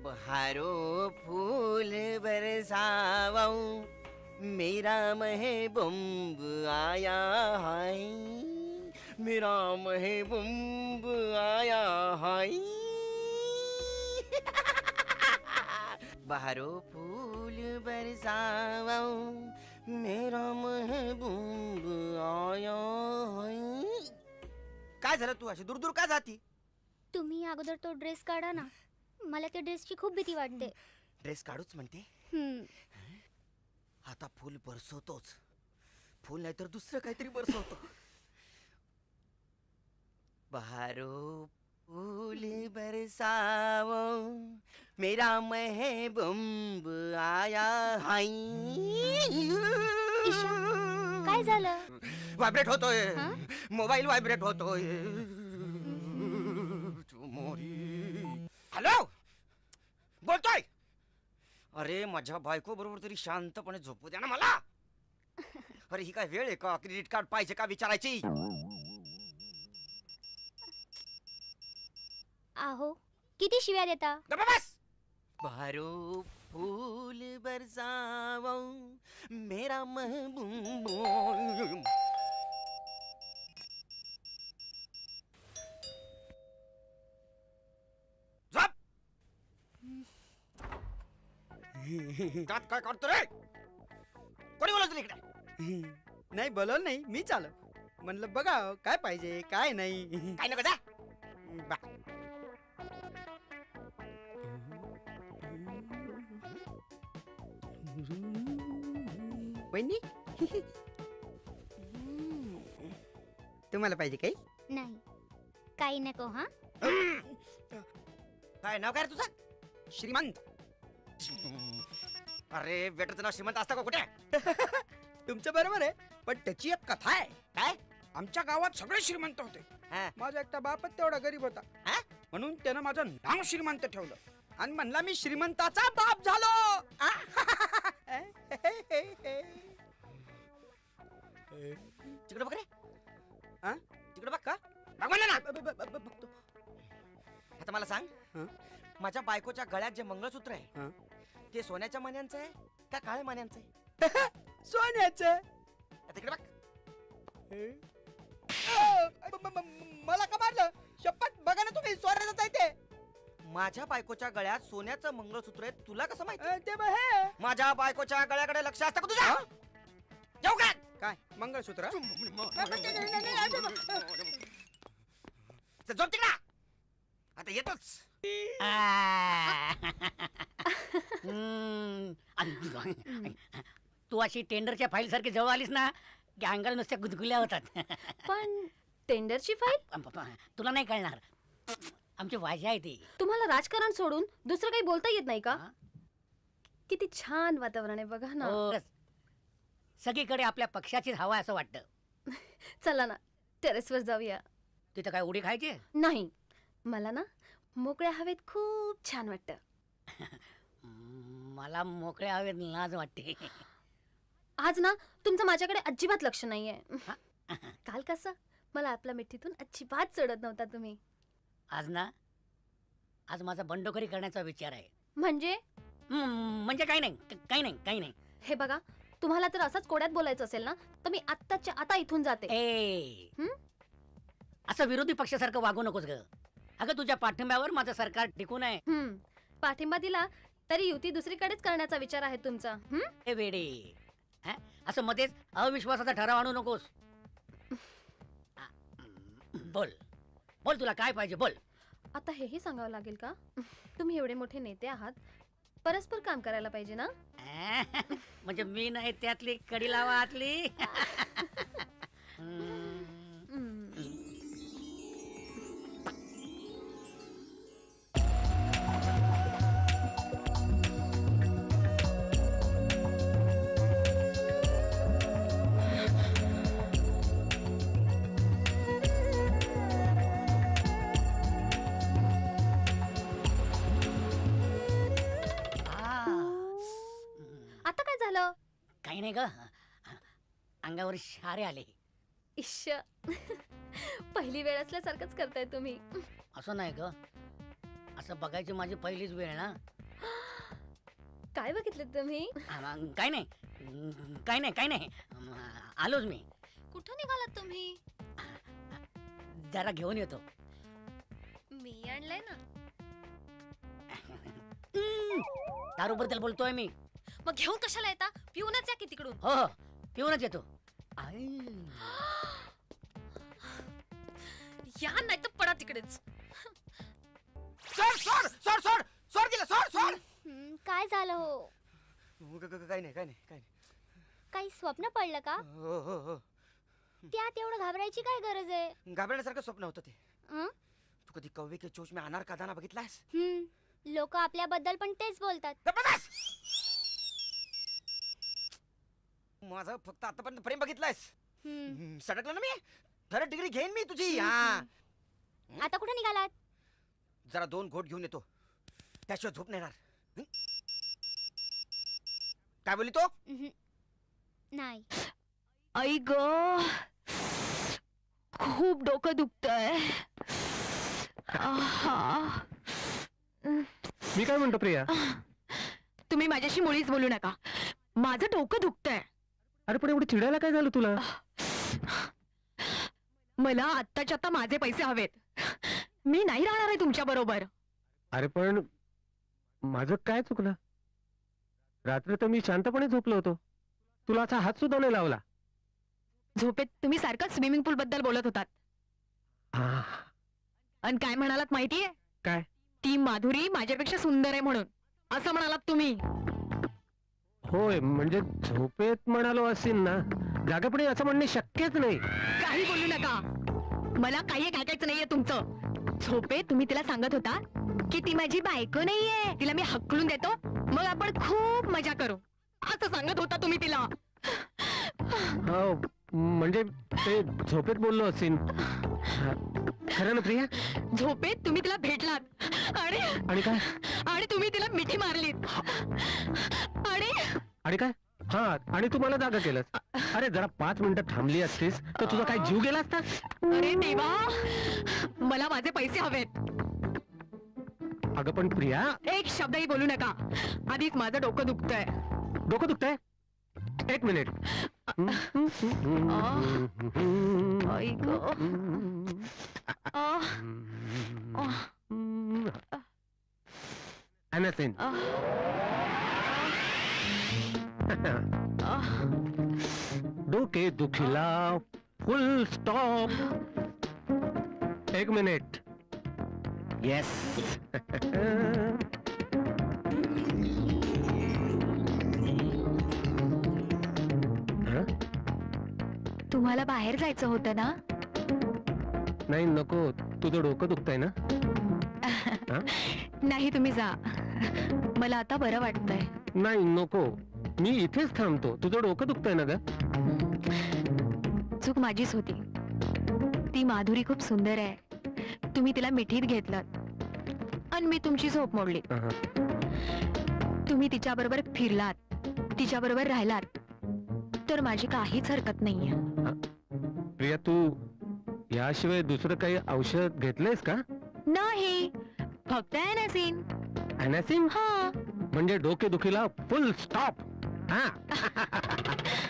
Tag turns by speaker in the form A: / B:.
A: बहारो फूल बरसाओ मेरा महबूब आया है, मेरा महबूब आया है। बहारो फूल बरसाओ मेरा महबूब आया है। काय झालं, तू अशी दूर दूर का जाती?
B: तुम्ही अगोदर तो ड्रेस काढा ना, मला त्या ड्रेसची खूप भीती वाटते.
A: ड्रेस काढूच म्हणते? आता फुल बरसवतोच. फुल नाही तर दुसरं काहीतरी बरसवतो. बहारो फूल बरसाओ मेरा महबूब आया है.
B: ईशा, काय झालं?
A: व्हायब्रेट होतोय.
B: हा?
A: मोबाईल व्हायब्रेट होतोय. हॅलो, बोलतोय. अरे माझ्या बायको बरोबर तरी शांतपणे झोपू द्या ना मला. अरे ही काय वेळ आहे का क्रेडिट कार्ड पाहिजे का विचारायची?
B: आहो, किती शिव्या देता?
A: बस. बहारो फूल बरसाओ मेरा महबूब. झोप. त्यात काय करतो रे? कोणी बोलवलं इकडे?
C: नाही बोलवलं नाही, मी चाल म्हणलं बघा काय पाहिजे काय नाही.
A: काय नको जा.
C: बा. वहिनी तुम्हाला पाहिजे काही?
B: नाही, काही नको. हा,
A: काय नाव काय रे तुझं?
C: श्रीमंत.
A: अरे वेटरचं नाव श्रीमंत असतं का कुठे?
C: तुमचं बरोबर आहे, पण त्याची एक कथा आहे.
A: काय?
C: आमच्या गावात सगळे श्रीमंत होते,
A: हा.
C: माझा एकटा बापच तेवढा गरीब होता.
A: हा?
C: म्हणून त्यानं माझं नाव श्रीमंत ठेवलं आणि म्हणला मी श्रीमंताचा बाप झालो.
A: तिकडे बघ रे.
C: हा?
A: तिकडे बघ का? बघ म्हणलं ना.
C: बघतो.
A: आता मला सांग,
C: हं?
A: माझ्या बायकोच्या गळ्यात जे मंगळसूत्र आहे
C: हं?
A: ते सोन्याच्या मण्यांचं आहे का काळ्या मण्यांचं आहे?
C: सोन्याचं.
A: आता तिकडे बघ.
C: मला का मारलं? शपथ बघा ना तुम्ही, सोन्याचं आहे ते.
A: माझ्या बायकोच्या गळ्यात सोन्याचं मंगळसूत्र आहे, तुला कसं माहिती?
C: ते बघ हे.
A: माझ्या बायकोच्या गळ्याकडे लक्ष असतं का तुझं? जाऊ का?
C: काय मंगळसूत्र?
A: झोप तिकडा. आता येतोच.
D: तू अशी टेंडरच्या फाईल सारखी जवळ आलीस ना की अंगाला नुसत्या गुदगुल्या होतात.
E: पण टेंडरची फाईल?
D: तुला नाही कळणार, आमची भाषा आहे ती.
E: तुम्हाला राजकारण सोडून दुसरं काही बोलता येत नाही का?
D: हा?
E: किती छान वातावरण आहे बघा ना.
D: हो, सगळीकडे आपल्या पक्षाचीच हवा असं वाटतं.
E: चला ना टेरेसवर जाऊया.
D: तिथं काय उडी खायची?
E: नाही, मला ना मोकळ्या हवेत खूप छान वाटतं.
D: मला मोकळ्या हवेत लाज वाटते.
E: आज ना तुमचं माझ्याकडे अजिबात लक्ष नाहीये. काल कसं मला आपल्या मिठीतून अजिबात चढत नव्हता तुम्ही.
D: आज ना, आज माझा बंडखोरी करण्याचा विचार आहे.
E: म्हणजे?
D: म्हणजे काही नाही, काही नाही, काही नाही.
E: हे बघा, तुम्हाला जर असंच कोड्यात बोलायचं असेल ना तर मी आत्ताच्या आता इथून जाते.
D: असं विरोधी पक्षासारखं वागू नकोस ग. अगं तुझ्या पाठिंब्यावर माझं सरकार टिकून आहे.
E: पाठिंबा दिला तरी युती दुसरीकडेच करण्याचा विचार आहे तुमचा.
D: हे वेडे, असं मध्येच अविश्वासाचा ठराव आणू नकोस. बोल बोल, तुला काय पाहिजे बोल.
E: आता हेही सांगावं लागेल का? तुम्ही एवढे मोठे नेते आहात, परस्पर काम करायला पाहिजे ना.
D: म्हणजे मी नाही त्यातली कडी लावा आतली.
E: आता काय झालं?
D: काही नाही ग, अंगावर शारे आले.
E: इश्श, पहिली वेळ असल्यासारखंच करताय तुम्ही.
D: असं नाही ग, असं बघायची माझी पहिलीच वेळ ना.
E: काय बघितलं तुम्ही?
D: काय नाही काय नाही काय नाही आलोच मी.
E: कुठं निघालात तुम्ही?
D: जरा घेऊन येतो.
E: मी आणलंय ना.
D: दारूबद्दल बोलतोय मी.
E: मग घेऊन कशाला येता? पिऊनच या की तिकडून.
D: हो हो पिऊनच येतो. आई.
E: या नाही तर पडा तिकडेच.
A: सोड सोड सोड सोड सोड तिला सोड सोड.
B: काय झालं हो?
A: काय नाही काय नाही काय नाही.
B: काही स्वप्न पडलं का?
A: हो हो हो.
B: त्यात एवढं घाबरायची काय गरज आहे?
A: घाबरण्यासारखं स्वप्न होतं ते.
B: हं?
A: तू कधी कौवे के चोच में अनार का दाना बघितलास?
B: लोक आपल्याबद्दल पण तेच बोलतात.
A: जबरदस्त! माझं फक्त आतापर्यंत प्रेम बघितलंयस. सटकलं ना मी. खरं डिग्री घेईन मी तुझी. हा
B: आता कुठे निघालात?
A: जरा 2 घोट घेऊन येतो, त्याशिवाय झोप नाही येणार. काय बोलली तो?
B: नाही.
E: आई ग, खूप डोकं दुखतंय.
F: मी काय म्हणतो प्रिया?
E: तुम्ही माझ्याशी मुळीच बोलू नका. माझं डोकं दुखतंय.
F: अरे पण एवढं चिडायला काय झालं तुला?
E: मला आत्ताच्या आता माझे पैसे हवेत. मी नाही राहणार आहे तुमच्या बरोबर.
F: अरे पण माझं काय चुकलं? रात्री तर मी शांतपणे झोपलो होतो, तुला असा हात सुद्धा नाही लावला.
E: झोपेत तुम्ही सारखं स्विमिंग पूल बद्दल बोलत होतात. आणि काय म्हणालात माहितीये?
F: काय?
E: ती माधुरी माझ्यापेक्षा सुंदर आहे म्हणून असं म्हणालात तुम्ही.
F: होय, म्हणजे झोपेत म्हणालो असेल ना, जागेपणे असं म्हणणे शक्यच नाही.
E: काही बोलू नका. मला काही ऐकायचं नाहीये तुमचं. झोपेत तुम्ही तिला सांगत होता की ती माझी बायको नाहीये, तिला मी हकलून देतो, मग आपण खूप मजा करू, असं सांगत होता तुम्ही तिला.
F: हो, म्हणजे ते झोपेत बोललो असेल. खरं ना प्रिया?
E: झोपेत तुम्ही तिला भेटलात
F: आणि काय?
E: आणि तुम्ही तिला मिठी मारलीत.
F: आणि काय? हा, आणि तू मला जागा केलंस. अरे जरा 5 मिनिटं थांबली असतीस तर तुझा काय जीव गेला असता?
E: अरे देवा, मला माझे पैसे हवेत.
F: अगं पण प्रिया,
E: एक शब्दही बोलू नका. आधीच माझं डोकं दुखतंय.
F: डोकं दुखतंय? 1 मिनिट.
E: आई गं.
F: Anything. डोके दुखीला फुल स्टॉप. 1 मिनिट. येस.
E: तुम्हाला बाहेर जायचं होतं ना?
F: नाही नको, तुझं डोकं दुखतंय ना?
E: नाही, तुम्ही जा. मला आता बरं वाटतंय.
F: नाही नको, मी इथेच थांबतो. तुझं डोकं दुखतंय ना ग?
E: चूक माझीच होती. ती माधुरी खूप सुंदर आहे. तुम्ही तिला मिठीत घेतलात आणि मी तुमची झोप मोडली. तुम्ही तिच्या बरोबर फिरलात, तिच्या बरोबर राहिलात, तर माझी काहीच हरकत नाहीये.
F: प्रिया, तू याशिवाय दुसरं काही औषध घेतलंयस का?
E: नाही, फक्त ॲनासिन.
F: ॲनासिन?
E: हा.
F: म्हणजे डोके दुखीला फुल स्टॉप. हा.